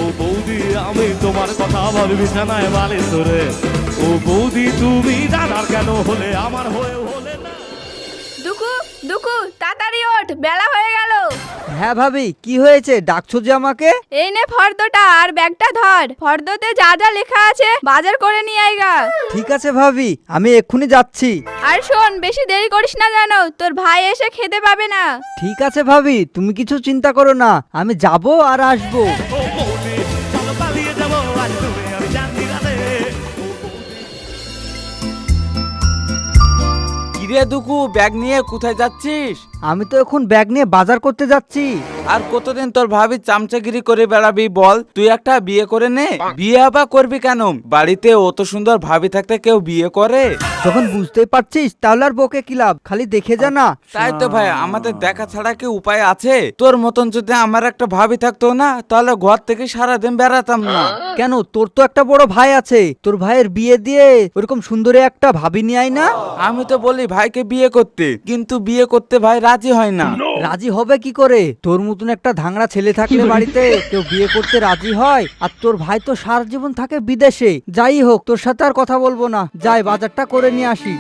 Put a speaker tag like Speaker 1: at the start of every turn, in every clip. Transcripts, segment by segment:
Speaker 1: বৌদি আমি তোমার কথা ভাবি বিছানায় বালিশ ধরে। ও বৌদি তুমি দাদার কেন হলে আমার হয়ে হলে না।
Speaker 2: দুকু দুকু তাড়াতাড়ি ওঠ, বেলা হয়ে গেল।
Speaker 3: হ্যাঁ ভাবি, কি হয়েছে, ডাকছো যে আমাকে?
Speaker 2: এই নে ফর্দটা আর ব্যাগটা ধর, ফর্দতে যা যা লেখা আছে বাজার করে নিয়ে আইগা।
Speaker 3: ঠিক আছে ভাবি, আমি এক্ষুনি যাচ্ছি।
Speaker 2: আর শোন, বেশি দেরি করিস না জানো, তোর ভাই এসে খেতে পাবে না।
Speaker 3: ঠিক আছে ভাবি, তুমি কিছু চিন্তা করো না, আমি যাব আর আসবো।
Speaker 1: ও বৌদি চলো পালিয়ে যাবো আজ তুমি আমি জানি রাতে।
Speaker 4: কিরে দুকু, ব্যাগ নিয়ে কোথায় যাচ্ছিস?
Speaker 3: আমি তো এখন ব্যাগ নিয়ে বাজার করতে যাচ্ছি।
Speaker 4: আর কতদিন তোর ভাবি চামচাগিরি করে বেড়াবি বল? তুই একটা বিয়ে করে নে। বিয়ে আবার করবি কেন? বাড়িতে অত সুন্দর ভাবি থাকতে কেউ বিয়ে করে?
Speaker 3: যখন বুঝতেই পারছিস তাহলে আর বকে কি লাভ, খালি দেখে যা না।
Speaker 4: তাই তো ভাই, আমাদের দেখা ছাড়া কি উপায় আছে? তোর মতন যদি আমার একটা ভাবি থাকতো না, তাহলে ঘর থেকে সারাদিন বেড়াতাম না।
Speaker 3: কেন, তোর তো একটা বড় ভাই আছে, তোর ভাইয়ের বিয়ে দিয়ে ওরকম সুন্দরী একটা ভাবি নিয়ে আয় না।
Speaker 4: আমি তো বলি ভাইকে বিয়ে করতে, কিন্তু বিয়ে করতে ভাই রাজি হয় না।
Speaker 3: রাজি হবে কি করে? তোর মতন একটা ধাংড়া ছেলে থাকলে বাড়িতে কেউ বিয়ে করতে রাজি হয়? আর তোর ভাই তো সারা জীবন থাকে বিদেশে। যাই হোক, তোর সাথে আর কথা বলবো না, যাই বাজারটা করে নিয়ে আসি।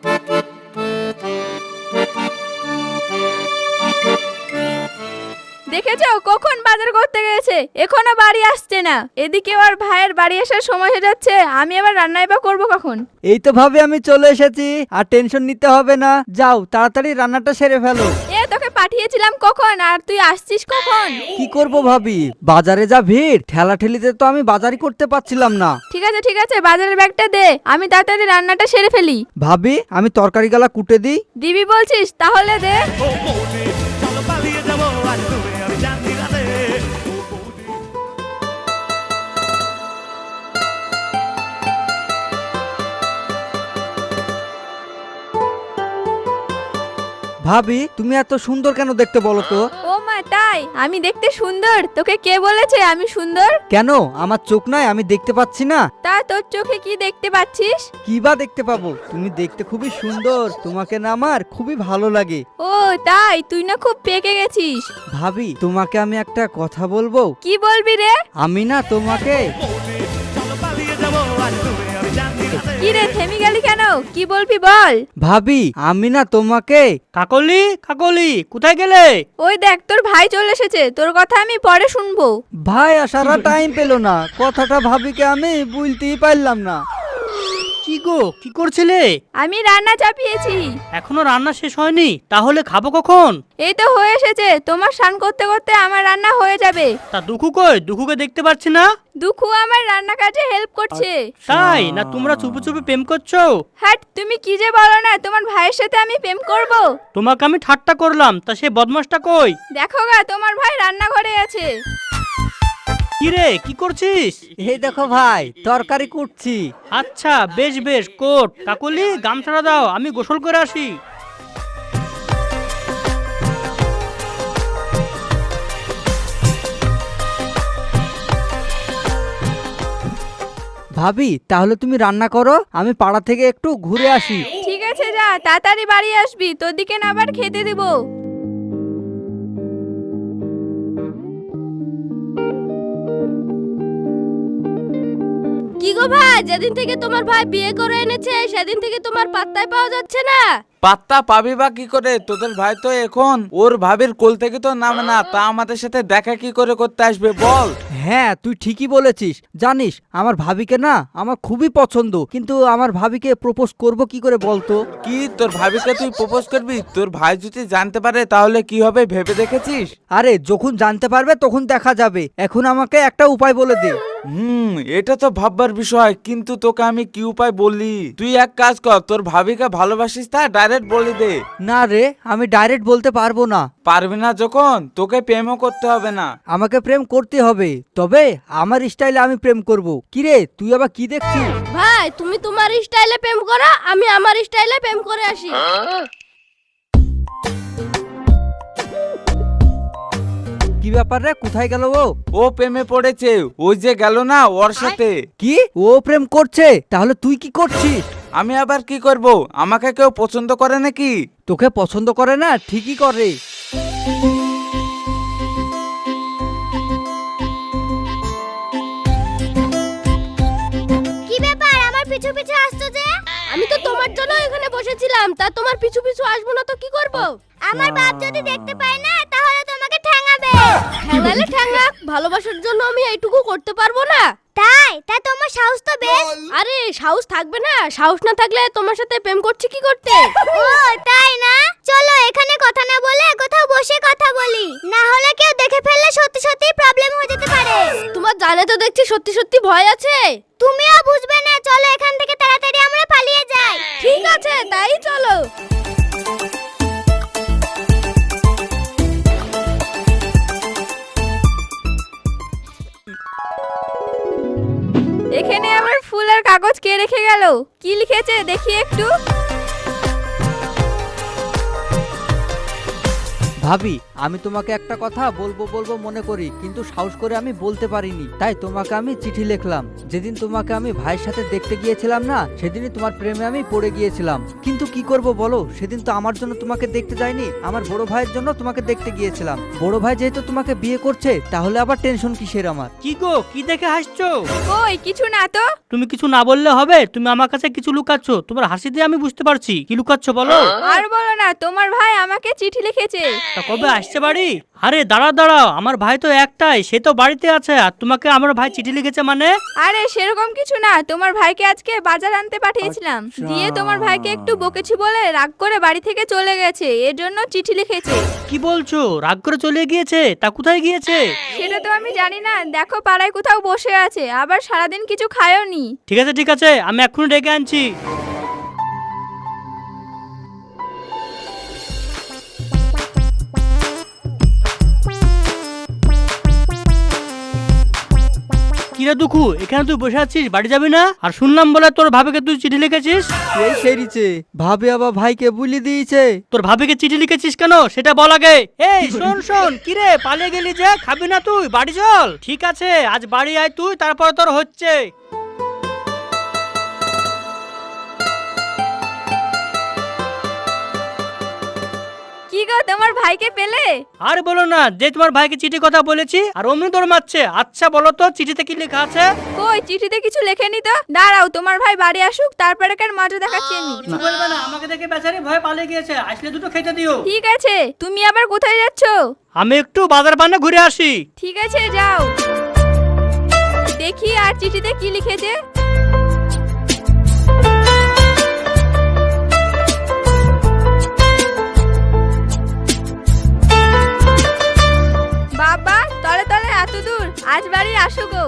Speaker 2: দেখেছো কখন বাজার করতে গেছে, এখনো বাড়ি আসছে না। এদিকে ওর ভাইয়ের বাড়ি আসার সময় হয়ে যাচ্ছে, আমি আবার রান্নাই বা করবো কখন?
Speaker 3: এই তো ভাবে আমি চলে এসেছি, আর টেনশন নিতে হবে না। যাও তাড়াতাড়ি রান্নাটা সেরে ফেলো।
Speaker 2: এ তোকে পাঠিয়েছিলাম কখন, আর তুই আসছিস কখন?
Speaker 3: কি করব ভাবি, বাজারে যা ভিড়, ঠেলা ঠেলিতে তো আমি বাজারই করতে পারছিলাম না।
Speaker 2: ঠিক আছে, বাজারের ব্যাগটা দে, আমি তাড়াতাড়ি রান্নাটা সেরে ফেলি।
Speaker 3: ভাবি, আমি তরকারি গালা কুটে দিই।
Speaker 2: দিবি বলছিস, তাহলে দে।
Speaker 1: ও বৌদি চলো পালিয়ে যাবো আজ তুমি আমি জানি রাতে।
Speaker 3: ভাবি, তুমি এত সুন্দর কেন দেখতে বলো তো?
Speaker 2: ও মা, তাই? আমি দেখতে সুন্দর? তোকে কে বলেছে আমি সুন্দর?
Speaker 3: কেন, আমার চোখ নাই, আমি দেখতে পাচ্ছি না?
Speaker 2: তা তোর চোখে কি দেখতে পাচ্ছিস?
Speaker 3: কি বা দেখতে পাবো, তুমি দেখতে খুবই সুন্দর, তোমাকে না আমার খুবই ভালো লাগে।
Speaker 2: ও তাই? তুই না খুব পেকে গেছিস।
Speaker 3: ভাবি, তোমাকে আমি একটা কথা বলবো।
Speaker 2: কি বলবি রে?
Speaker 3: আমি না তোমাকে
Speaker 1: বৌদি চলো পালিয়ে যাবো আজ তুমি আমি জানি রাতে।
Speaker 2: কি রে, থেমে গেলি কেন? কি বলবি বল।
Speaker 3: ভাবি, আমি না তোমাকে
Speaker 5: কাকলি, কাকলি, কোথায় গেলে?
Speaker 2: ওই দেখ, তোর ভাই চলে এসেছে, তোর কথা আমি পরে শুনবো।
Speaker 3: ভাই আসার টাইম পেলো না, কথাটা ভাবিকে আমি বুঝতেই পারলাম না।
Speaker 5: কি গো, কি করছিলে?
Speaker 2: আমি রান্না চাপিয়েছি।
Speaker 5: এখনো রান্না শেষ হয়নি? তাহলে খাবো কখন?
Speaker 2: এই তো হয়ে এসেছে, তোমার স্নান করতে করতে আমার রান্না হয়ে যাবে।
Speaker 5: তা দুঃখু কই? দুঃখুকে দেখতে পাচ্ছি না।
Speaker 2: দুঃখু আমার রান্না কাজে হেল্প করছে।
Speaker 5: তাই না? তোমরা চুপি চুপি প্রেম করছো?
Speaker 2: হাট, তুমি কি যে বলো না, তোমার ভাইয়ের সাথে আমি প্রেম করব?
Speaker 5: তোমাকে আমি ঠাট্টা করলাম, তা সে বদমাসটা কই?
Speaker 2: দেখো গা, তোমার ভাই রান্নাঘরে আছে।
Speaker 5: কি রে, কি করছিস?
Speaker 3: এই দেখো ভাই, তরকারি কুটছি।
Speaker 5: আচ্ছা, বেশ বেশ, কোট। কাকলি, গামছাড়া দাও, আমি গোসল করে আসি।
Speaker 3: ভাবি, তাহলে তুমি রান্না করো, আমি পাড়া থেকে একটু ঘুরে আসি।
Speaker 2: ঠিক আছে, যা তাড়াতাড়ি বাড়ি আসবি, তোর দিকে না আবার খেতে দিব।
Speaker 6: কি গো ভাই, যেদিন থেকে তোমার ভাই বিয়ে করে এনেছে সেদিন থেকে তোমার পাত্তাই পাওয়া যাচ্ছে না।
Speaker 4: পাত্তা পাবি বা কি করে? তোদের ভাই তো এখন ওর ভাবির কোল থেকে তো নামে না, তা আমাদের সাথে দেখা কি করে করতে আসবে বল?
Speaker 3: হ্যাঁ, তুই ঠিকই বলেছিস। জানিস, আমার ভাবিকে না আমার খুবই পছন্দ, কিন্তু আমার ভাবিকে প্রপোজ করব কি করে বলতো?
Speaker 4: কি, তোর ভাবিকে তুই প্রপোজ করবি? তোর ভাই যদি জানতে পারে তাহলে কি হবে ভেবে দেখেছিস?
Speaker 3: আরে, যখন জানতে পারবে তখন দেখা যাবে, এখন আমাকে একটা উপায় বলে দে।
Speaker 4: এটা তো ভাববার বিষয়, কিন্তু তোকে আমি কি উপায় বলি? তুই এক কাজ কর, তোর ভাবিকে ভালোবাসিস তা ডাইরেক্ট বলে দে।
Speaker 3: না রে, আমি ডাইরেক্ট বলতে পারবো না।
Speaker 4: পারবি না যখন, তোকে প্রেমও করতে হবে না।
Speaker 3: আমাকে প্রেম করতে হবে, তবে আমার স্টাইলে আমি প্রেম করব। কিরে, তুই আবার কি দেখছিস?
Speaker 6: ভাই, তুমি তোমার স্টাইলে প্রেম করো, আমি আমার স্টাইলে প্রেম করে আসি।
Speaker 3: কি ব্যাপার রে, কোথায় গেল ও?
Speaker 4: ও প্রেমে পড়েছে, ওই যে গেল না ওর সাথে।
Speaker 3: কি, ও প্রেম করছে? তাহলে তুই কি করছিস?
Speaker 4: আমি আবার কি করব? আমাকে কেউ পছন্দ করে নাকি?
Speaker 3: তোকে পছন্দ করে না? ঠিকই করে।
Speaker 6: পিছু পিছু আসছো যে? আমি তো তোমার জন্য এখানে বসেছিলাম, তা তোমার পিছু পিছু আসবো না তো কি করব? আমার বাপ যদি দেখতে পায় না তাহলে তোমাকে ঠ্যাঙাবে। ঠ্যাঙালে ঠ্যাঙাক, ভালোবাসার জন্য আমি এইটুকু করতে পারবো না? তা তোমার সাহস তো বেশ। আরে সাহস থাকবে না? সাহস না থাকলে তোমার সাথে প্রেম করছি কি করতে? ও তাই না? চলো এখানে কথা না বলে কোথাও বসে কথা বলি, না হলে কেউ দেখে ফেললে সত্যি সত্যি প্রবলেম হয়ে যেতে পারে। তোমার জানে তো দেখছি সত্যি সত্যি ভয় আছে। তুমিও বুঝবে না, চলো এখান থেকে তাড়াতাড়ি আমরা পালিয়ে যাই। ঠিক আছে, তাই চলো।
Speaker 2: এখানে আমার ফুল আর কাগজ কে রেখে গেল? কি লিখেছে দেখি একটু।
Speaker 3: ভাবি, আমি তোমাকে একটা কথা বলবো বলবো মনে করি, কিন্তু সাহস করে আমি বলতে পারিনি, তাই তোমাকে আমি চিঠি লিখলাম। যেদিন তোমাকে আমি ভাইয়ের সাথে দেখতে গিয়েছিলাম না, সেদিনই তোমার প্রেমে আমি পড়ে গিয়েছিলাম। কিন্তু কি করব বলো, সেদিন তো আমার জন্য তোমাকে দেখতে যাইনি, আমার বড় ভাইয়ের জন্য তোমাকে দেখতে গিয়েছিলাম। বড় ভাই যেহেতু তোমাকে বিয়ে করছে, তাহলে আবার টেনশন কিসের আমার?
Speaker 5: কি গো, কি দেখে হাসছো?
Speaker 2: কই কিছু না তো।
Speaker 5: তুমি কিছু না বললে হবে? তুমি আমার কাছে কিছু লুকাচ্ছ, তোমার হাসি দিয়ে আমি বুঝতে পারছি কি লুকাচ্ছ, বলো।
Speaker 2: আর বলো না, তোমার ভাই আমাকে চিঠি লিখেছে।
Speaker 5: তা কবে আসছে বাড়ি? আরে দাঁড়াও, আমার ভাই তো একটাই, সে তো বাড়িতে আছে, আর তোমাকে আমার ভাই চিঠি লিখেছে মানে?
Speaker 2: আরে সেরকম কিছু না, তোমার ভাইকে আজকে বাজার আনতে পাঠিয়েছিলাম, দিয়ে তোমার ভাইকে একটু বকেছি বলে রাগ করে বাড়ি থেকে চলে গেছে, এর জন্য চিঠি লিখেছে।
Speaker 5: কি বলছো, রাগ করে চলে গিয়েছে? তা কোথায় গিয়েছে?
Speaker 2: সেটা তো আমি জানি না, দেখো পাড়ায় কোথাও বসে আছে, আবার সারাদিন কিছু খায়ওনি।
Speaker 5: ঠিক আছে, আমি এক্ষুনি ডেকে আনছি। কিরে দুঃখু, এখানে তুই বসে আছিস, বাড়ি যাবি না? আর শুনলাম বলে তোর ভাবিকে তুই চিঠি লিখেছিস।
Speaker 3: এই সেরিছে, ভাবি আবার ভাইকে বুলি দিয়েছে।
Speaker 5: তোর ভাবিকে চিঠি লিখেছিস কেন সেটা বল আগে। এই শোন, কিরে পালিয়ে গেলি যে, খাবি না তুই? বাড়ি চল। ঠিক আছে, আজ বাড়ি আয় তুই, তারপর তোর হচ্ছে।
Speaker 2: কি গো, তোমার ভাইকে পেলে?
Speaker 5: আর বলো না, যে তোমার ভাইকে চিঠি কথা বলেছি আর অমনি তোর মারছে। আচ্ছা বলো তো চিঠিতে কি লেখা আছে?
Speaker 2: কই চিঠিতে কিছু লেখেনি তো। দাঁড়াও, তোমার ভাই বাড়ি আসুক, তারপরে কার মজা দেখাচ্ছি আমি।
Speaker 5: কিছু বলবে না, আমাকে দেখে বেচারি ভয় পালিয়ে গিয়েছে, আসলে দুটো খেতে দিও।
Speaker 2: ঠিক আছে, তুমি আবার কোথায় যাচ্ছ?
Speaker 5: আমি একটু বাজার বান্না ঘুরে আসি।
Speaker 2: ঠিক আছে যাও। দেখি আর চিঠিতে কি লিখেছে। বাবা, তলে তলে এত দূর, আজ বাড়ি আসো গো।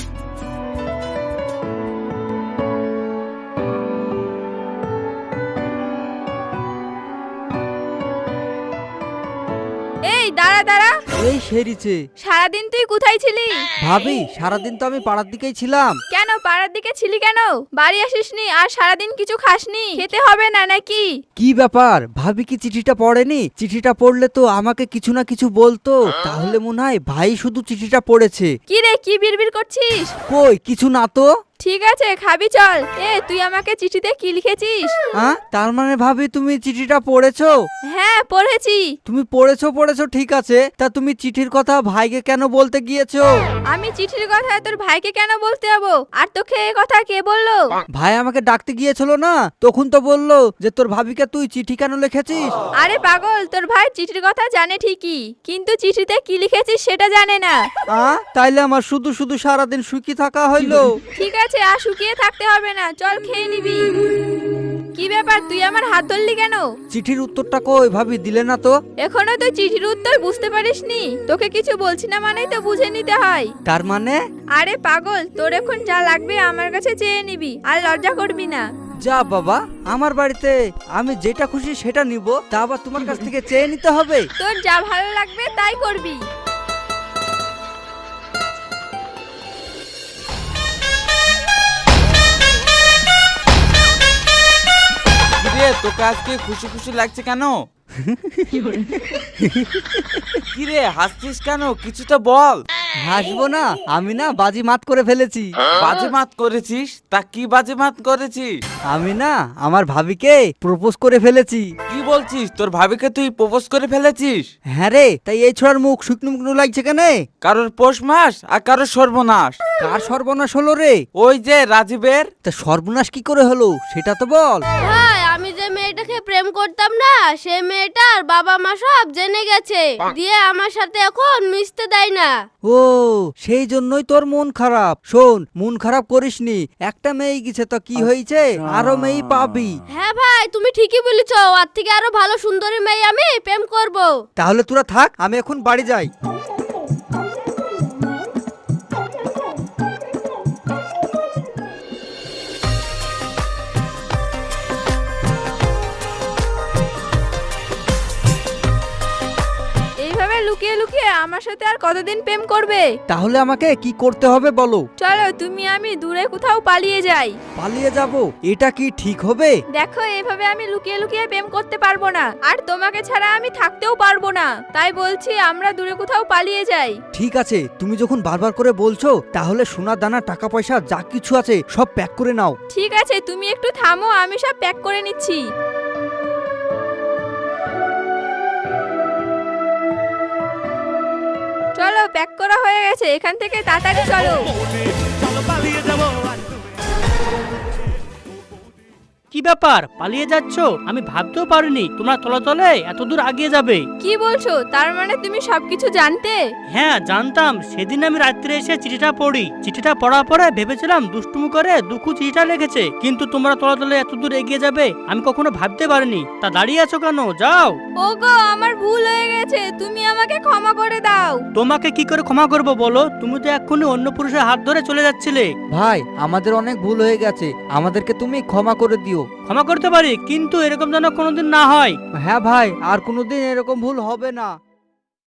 Speaker 2: এই দাঁড়া।
Speaker 3: এই সেরিছে,
Speaker 2: সারাদিন তুই কোথায় ছিলি?
Speaker 3: ভাবি সারাদিন তো আমি পাড়ার দিকেই ছিলাম।
Speaker 2: কেন পাড়ার দিকে ছিলি কেন? বাড়ি আসিসনি আর সারাদিন কিছু খাসনি? খেতে হবে না নাকি?
Speaker 3: কি ব্যাপার, ভাবি কি চিঠিটা পড়েনি? চিঠিটা পড়লে তো আমাকে কিছু না কিছু বলতো, তাহলে মনে হয় ভাই শুধু চিঠিটা পড়েছে।
Speaker 2: কি রে, কি বিড়বিড় করছিস?
Speaker 3: কই কিছু না তো।
Speaker 2: ঠিক আছে, খাবি চল। তুই আমাকে চিঠিতে কি লিখেছিস?
Speaker 3: তার মানে ভাবি তুমি চিঠিটা পড়েছো?
Speaker 2: হ্যাঁ পড়েছি।
Speaker 3: তুমি পড়েছো ঠিক আছে, তা তুমি চিঠির কথা ভাইকে কেন বলতে গিয়েছো?
Speaker 2: আমি চিঠির কথা তোর ভাইকে কেন বলতে যাবো? আর তোকে এই কথা কে বললো?
Speaker 3: ভাই আমাকে ডাকতে গিয়েছিল না, তখন তো বললো যে তোর ভাবিকে তুই চিঠি কেন লিখেছিস।
Speaker 2: আরে পাগল, তোর ভাই চিঠির কথা জানে ঠিকই, কিন্তু চিঠিতে কি লিখেছিস সেটা জানে না।
Speaker 3: তাইলে আমার শুধু শুধু সারাদিন সুখী থাকা হইলো।
Speaker 2: ঠিক আছে, আর শুকিয়ে থাকতে হবে না, চল খেয়ে নিবি। কি ব্যাপার, তুই আমার হাত ধরলি কেন?
Speaker 3: চিঠির উত্তরটা কই ভাবি, দিলে না তো?
Speaker 2: এখনো তুই চিঠির উত্তর বুঝতে পারিসনি? তোকে কিছু বলছি না মানেই তো বুঝে নিতে হয়।
Speaker 3: তার মানে?
Speaker 2: আরে পাগল, তোর এখন যা লাগবে আমার কাছে চেয়ে নিবি, আর লজ্জা করবি না।
Speaker 3: যা বাবা, আমার বাড়িতে আমি যেটা খুশি সেটা নিব, তা আবার তোমার কাছ থেকে চেয়ে নিতে হবে?
Speaker 2: তোর যা ভালো লাগবে তাই করবি।
Speaker 4: কিরে তোকে আজকে খুশি খুশি লাগছে কেন? কিরে হাসছিস কেন, কিছু তো বল।
Speaker 3: হাসবো না, আমি না বাজি মাত করে ফেলেছি।
Speaker 4: বাজে মাত করেছিস? তা কি বাজে মাত করেছিস?
Speaker 3: আমি না আমার ভাবিকে প্রপোজ করে ফেলেছি।
Speaker 4: কি বলছিস? তোর ভাবিকে তুই প্রপোজ করে ফেলেছিস?
Speaker 3: হ্যাঁ রে, তাই এই ছোড়ার মুখ শুকনো মুকনো লাগছে কেন?
Speaker 4: কারোর পৌষ মাস আর কারোর সর্বনাশ।
Speaker 3: কার সর্বনাশ হলো রে?
Speaker 4: ওই যে রাজীবের।
Speaker 3: তা সর্বনাশ কি করে হলো সেটা তো বল।
Speaker 6: ভাই আমি যে মেয়েটাকে প্রেম করতাম না, সে মেয়েটার বাবা মা সব জেনে গেছে, দিয়ে আমার সাথে এখন মিশতে দেয় না।
Speaker 3: ও, সেই জন্যই তোর মন খারাপ। শোন, মন খারাপ করিসনি, একটা মেয়ে গেছে তো কি হয়েছে, আরো মেয়ে পাবি।
Speaker 6: হ্যাঁ ভাই তুমি ঠিকই বলেছ, আর থেকে আরো ভালো সুন্দরী মেয়ে আমি প্রেম করব।
Speaker 3: তাহলে তোরা থাক, আমি এখন বাড়ি যাই।
Speaker 2: এইভাবে লুকিয়ে লুকিয়ে আমার সাথে আর কতদিন প্রেম করবে?
Speaker 3: তাহলে আমাকে কি করতে হবে বলো?
Speaker 2: চলো তুমি আমি দূরে কোথাও পালিয়ে যাই।
Speaker 3: পালিয়ে যাব? এটা কি ঠিক হবে?
Speaker 2: দেখো এইভাবে আমি লুকিয়ে লুকিয়ে প্রেম করতে পারবো না, আর তোমাকে ছাড়া আমি থাকতেও পারবো না। তাই বলছি আমরা দূরে কোথাও পালিয়ে যাই।
Speaker 3: ঠিক আছে, তুমি যখন বারবার করে বলছো, তাহলে সোনা দানা টাকা পয়সা যা কিছু আছে সব প্যাক করে নাও।
Speaker 2: ঠিক আছে তুমি একটু থামো, আমি সব প্যাক করে নিচ্ছি। চলো প্যাক করা হয়ে গেছে, এখান থেকে তাড়াতাড়ি চলো।
Speaker 1: চলো পালিয়ে যাবো।
Speaker 5: কি ব্যাপার, পালিয়ে যাচ্ছ? আমি ভাবতেও পারিনি তোমরা তলে তলে এত দূর আগিয়ে যাবে।
Speaker 2: কি বলছো? তার মানে তুমি সবকিছু জানতে?
Speaker 5: হ্যাঁ জানতাম। সেদিন আমি রাত্রে এসে চিঠিটা পড়ি, চিঠিটা পড়ার পরে ভেবেছিলাম দুষ্টুমি করে দুঃখ চিঠিটা লিখেছে, কিন্তু তোমরা তলে তলে এত দূর এগিয়ে যাবে আমি কখনো ভাবতে পারিনি। তা দাঁড়িয়ে আছো কেন? যাও।
Speaker 2: ওগো আমার ভুল হয়ে গেছে, তুমি আমাকে ক্ষমা করে দাও।
Speaker 5: তোমাকে কি করে ক্ষমা করবো বলো? তুমি তো এক্ষুনি অন্য পুরুষের হাত ধরে চলে যাচ্ছিলে।
Speaker 3: ভাই, আমাদের অনেক ভুল হয়ে গেছে, আমাদেরকে তুমি ক্ষমা করে দিও।
Speaker 5: ক্ষমা করতে পারি, কিন্তু এরকম যেন কোনোদিন না হয়।
Speaker 3: হ্যাঁ ভাই, আর কোনোদিন এরকম ভুল হবে না।